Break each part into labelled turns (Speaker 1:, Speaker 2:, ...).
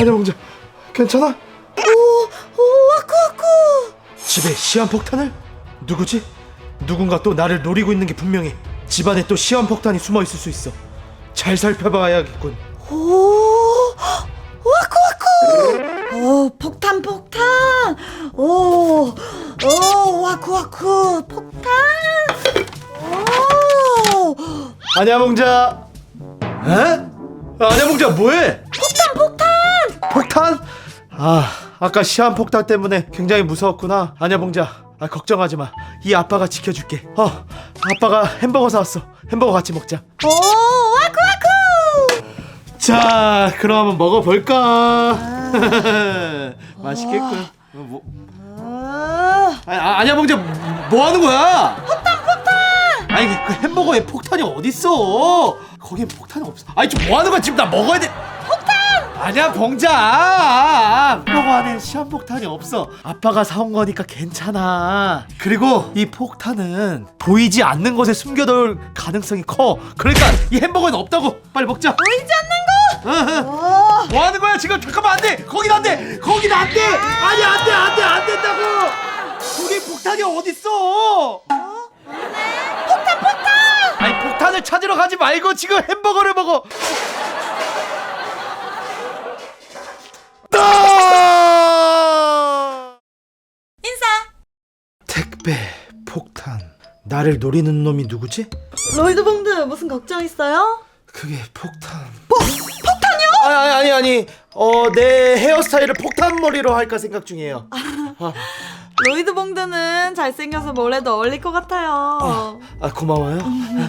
Speaker 1: 안녕봉자 괜찮아?
Speaker 2: 와쿠와쿠.
Speaker 1: 집에 시한폭탄을? 누구지? 누군가 또 나를 노리고 있는 게 분명해. 집안에 또 시한폭탄이 숨어 있을 수 있어. 잘 살펴봐야겠군.
Speaker 2: 오, 와쿠와쿠. 폭탄. 오, 와쿠와쿠. 폭탄. 오.
Speaker 1: 안녕봉자. 에? 안녕봉자 뭐해? 폭탄? 아까 시한폭탄 때문에 굉장히 무서웠구나. 안녕봉자, 걱정하지 마. 이 아빠가 지켜줄게. 아빠가 햄버거 사왔어. 햄버거 같이 먹자.
Speaker 2: 오, 와쿠와쿠.
Speaker 1: 자, 그럼 한번 먹어볼까? 맛있겠군. 안녕봉자 뭐 하는 거야? 폭탄! 아니 그 햄버거에 폭탄이 어딨어? 거기에 폭탄이 없어. 아니 좀 뭐 하는 거야? 지금 나 먹어야 돼. 아니야 봉자, 햄버거 안에 시한폭탄이 없어. 아빠가 사온 거니까 괜찮아. 그리고 이 폭탄은 보이지 않는 곳에 숨겨둘 가능성이 커. 그러니까 이 햄버거는 없다고. 빨리 먹자.
Speaker 2: 보이지 않는 거.
Speaker 1: 뭐 하는 거야 지금? 잠깐만, 안 돼. 거긴 안 돼. 거긴 안 돼. 아니 안 된다고. 거기 폭탄이 어딨어? 폭탄. 아니 폭탄을 찾으러 가지 말고 지금 햄버거를 먹어.
Speaker 2: 인사.
Speaker 1: 택배, 폭탄. 나를 노리는 놈이 누구지?
Speaker 2: 로이드 봉드 무슨 걱정 있어요?
Speaker 1: 그게 폭탄. 폭탄이요? 아니. 내 헤어스타일을 폭탄머리로 할까 생각 중이에요.
Speaker 2: 로이드 봉드는 잘생겨서 뭐래도 어울릴 것 같아요.
Speaker 1: 고마워요.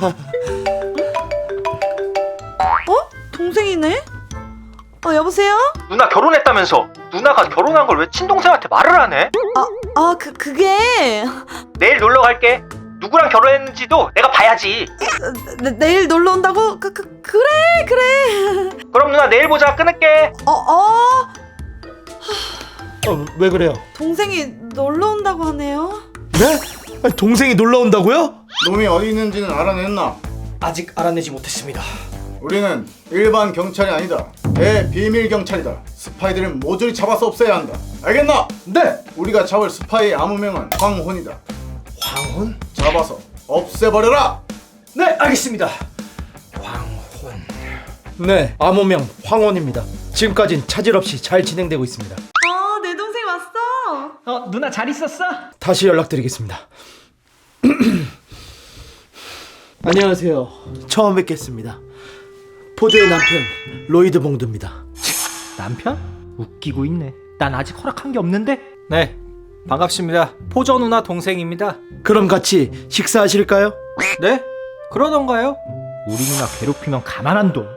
Speaker 2: 동생이네? 여보세요?
Speaker 3: 누나 결혼했다면서. 누나가 결혼한 걸 왜 친동생한테 말을 안 해?
Speaker 2: 그게
Speaker 3: 내일 놀러 갈게. 누구랑 결혼했는지도 내가 봐야지.
Speaker 2: 내일 놀러 온다고? 그래.
Speaker 3: 그럼 누나 내일 보자. 끊을게.
Speaker 1: 왜 그래요?
Speaker 2: 동생이 놀러 온다고 하네요.
Speaker 1: 네? 아니, 동생이 놀러 온다고요?
Speaker 4: 놈이 어디 있는지는 알아냈나?
Speaker 1: 아직 알아내지 못했습니다.
Speaker 4: 우리는 일반 경찰이 아니다. 대비밀 경찰이다. 스파이들을 모조리 잡아서 없애야 한다. 알겠나?
Speaker 1: 네.
Speaker 4: 우리가 잡을 스파이의 암호명은 황혼이다.
Speaker 1: 황혼?
Speaker 4: 잡아서 없애버려라.
Speaker 1: 네, 알겠습니다. 황혼. 네, 암호명 황혼입니다. 지금까진 차질 없이 잘 진행되고 있습니다.
Speaker 2: 내 동생 왔어.
Speaker 3: 누나 잘 있었어?
Speaker 1: 다시 연락드리겠습니다. 안녕하세요. 처음 뵙겠습니다. 포드의 남편 로이드 봉두입니다.
Speaker 3: 남편? 웃기고 있네. 난 아직 허락한 게 없는데?
Speaker 5: 네, 반갑습니다. 포저 누나 동생입니다.
Speaker 1: 그럼 같이 식사하실까요?
Speaker 5: 네? 그러던가요?
Speaker 3: 우리 누나 괴롭히면 가만 안 둬.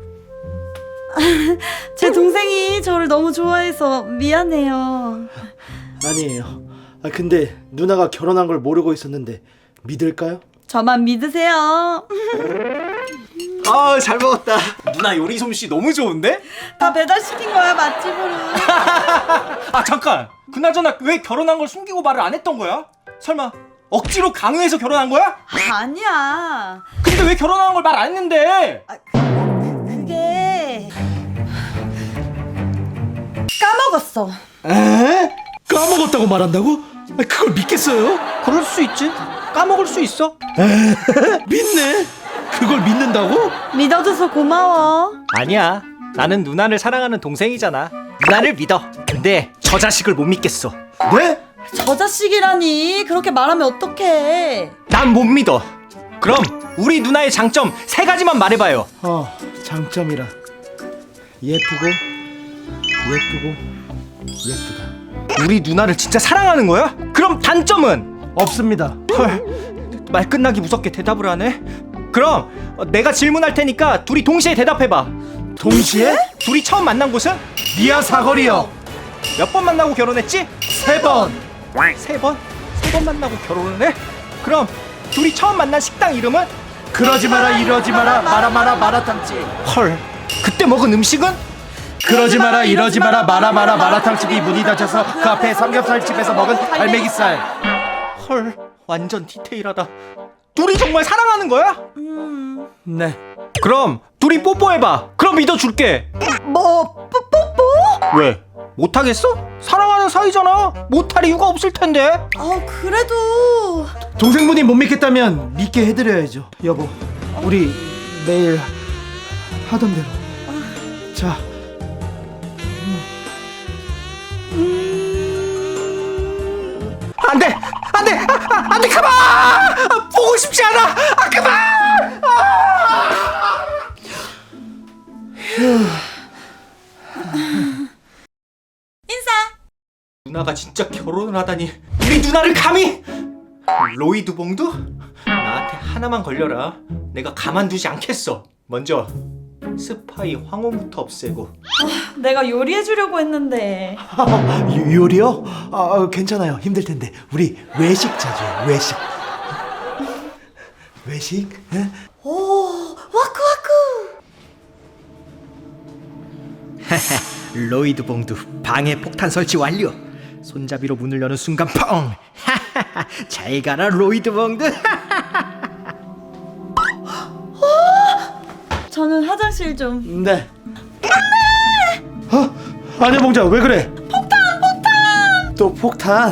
Speaker 2: 제 동생이 저를 너무 좋아해서 미안해요.
Speaker 1: 아니에요. 근데 누나가 결혼한 걸 모르고 있었는데 믿을까요?
Speaker 2: 저만 믿으세요.
Speaker 5: 잘 먹었다. 누나 요리 솜씨 너무 좋은데?
Speaker 2: 다 배달시킨 거야, 맛집으로.
Speaker 5: 잠깐. 그나저나 왜 결혼한 걸 숨기고 말을 안 했던 거야? 설마 억지로 강요해서 결혼한 거야?
Speaker 2: 아니야.
Speaker 5: 근데 왜 결혼한 걸 말 안 했는데?
Speaker 2: 그게 까먹었어.
Speaker 1: 에? 까먹었다고 말한다고? 그걸 믿겠어요?
Speaker 5: 그럴 수 있지. 까먹을 수 있어.
Speaker 1: 믿네. 그걸 믿는다고?
Speaker 2: 믿어줘서 고마워.
Speaker 5: 아니야. 나는 누나를 사랑하는 동생이잖아. 누나를 믿어. 근데 저 자식을 못 믿겠어.
Speaker 1: 네?
Speaker 2: 저 자식이라니. 그렇게 말하면 어떡해.
Speaker 5: 난 못 믿어. 그럼 우리 누나의 장점 3가지만 말해봐요.
Speaker 1: 장점이라 예쁘고 예쁘다.
Speaker 5: 우리 누나를 진짜 사랑하는 거야? 그럼 단점은?
Speaker 1: 없습니다.
Speaker 5: 헐, 말 끝나기 무섭게 대답을 하네. 그럼 내가 질문할 테니까 둘이 동시에 대답해봐.
Speaker 1: 동시에?
Speaker 5: 둘이 처음 만난 곳은?
Speaker 1: 미아 사거리요.
Speaker 5: 몇 번 만나고 결혼했지?
Speaker 1: 3번.
Speaker 5: 3번? 3번 만나고 결혼을 해? 그럼 둘이 처음 만난 식당 이름은?
Speaker 1: 그러지 마라 이러지 마라 마라 마라탕집.
Speaker 5: 헐, 그때 먹은 음식은?
Speaker 1: 그러지 마라 이러지 마라 마라 마라탕집이 문이 닫혀서 그 앞에 삼겹살집에서 먹은 갈매기살.
Speaker 5: 헐, 완전 디테일하다. 둘이 정말 사랑하는 거야?
Speaker 1: 네.
Speaker 5: 그럼 둘이 뽀뽀해봐. 그럼 믿어줄게.
Speaker 2: 뭐 뽀뽀?
Speaker 5: 왜? 못하겠어? 사랑하는 사이잖아. 못할 이유가 없을 텐데.
Speaker 2: 그래도
Speaker 1: 동생분이 못 믿겠다면 믿게 해드려야죠. 여보, 우리 매일 하던 대로. 자,
Speaker 5: 안돼, 안돼, 안돼, 그만! 보고 싶지 않아. 그만!
Speaker 2: 인사.
Speaker 5: 누나가 진짜 결혼을 하다니. 우리 누나를 감히? 로이드 봉두? 나한테 하나만 걸려라. 내가 가만두지 않겠어. 먼저 스파이 황혼부터 없애고.
Speaker 2: 내가 요리해주려고 했는데.
Speaker 1: 요리요? 괜찮아요. 힘들 텐데 우리 외식 자주 해요. 외식. 외식? 예?
Speaker 2: 오, 와쿠와쿠.
Speaker 5: 로이드 봉두 방해 폭탄 설치 완료. 손잡이로 문을 여는 순간 펑. 잘 가라 로이드 봉두.
Speaker 2: 저는 화장실 좀.
Speaker 1: 네. 아니야 봉자, 왜 그래? 폭탄! 또 폭탄?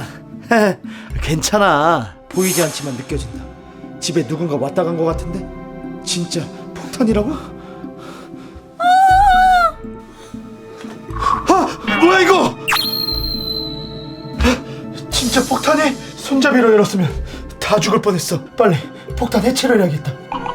Speaker 1: 괜찮아. 보이지 않지만 느껴진다. 집에 누군가 왔다 간 것 같은데? 진짜 폭탄이라고? 뭐야 이거? 진짜 폭탄이? 손잡이로 열었으면 다 죽을 뻔했어. 빨리 폭탄 해체를 해야겠다.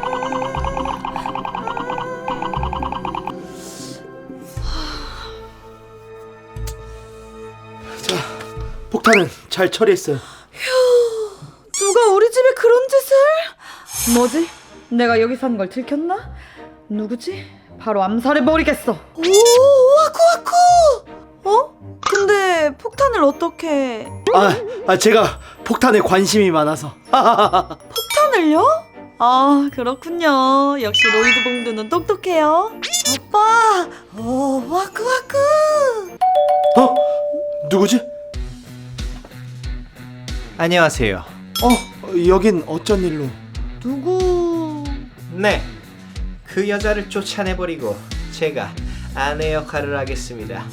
Speaker 1: 자, 폭탄은 잘 처리했어요.
Speaker 2: 누가 우리 집에 그런 짓을? 뭐지? 내가 여기 산 걸 들켰나? 누구지? 바로 암살해버리겠어. 오, 와쿠와쿠! 근데 폭탄을 어떻게...
Speaker 1: 제가 폭탄에 관심이 많아서.
Speaker 2: 폭탄을요? 그렇군요. 역시 로이드 봉두는 똑똑해요. 오빠! 오, 와쿠와쿠!
Speaker 1: 누구지?
Speaker 5: 안녕하세요.
Speaker 1: 여긴 어쩐 일로?
Speaker 2: 누구...
Speaker 5: 네, 그 여자를 쫓아내버리고 제가 아내 역할을 하겠습니다.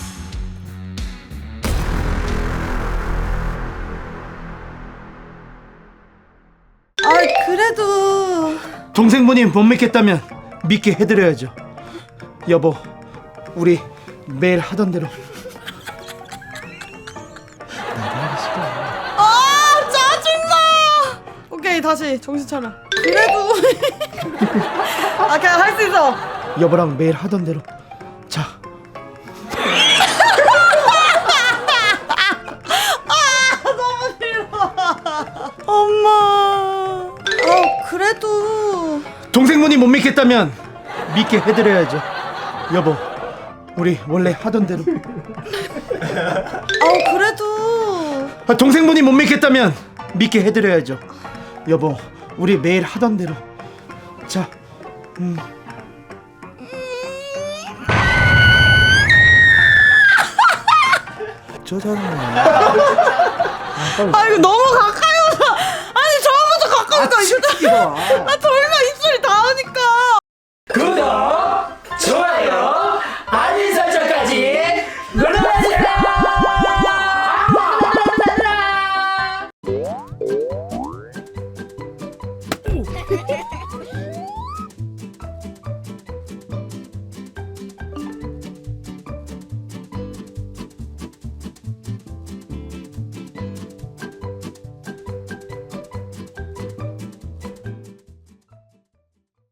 Speaker 2: 그래도...
Speaker 1: 동생분이 못 믿겠다면 믿게 해드려야죠. 여보, 우리 매일 하던 대로.
Speaker 2: 짜증나! 오케이, 다시 정신 차려. 그래도... 그냥 할 수 있어.
Speaker 1: 여보랑 매일 하던 대로. 자,
Speaker 2: 엄마... 그래도...
Speaker 1: 동생분이 못 믿겠다면 믿게 해드려야죠. 여보, 우리 원래 하던 대로.
Speaker 2: 그래도...
Speaker 1: 동생분이 못 믿겠다면 믿게 해드려야죠. 여보, 우리 매일 하던 대로. 자, 짜증나.
Speaker 2: 이거 너무 가까이 오다. 아니, 저번부터 가까우니까 이거... 나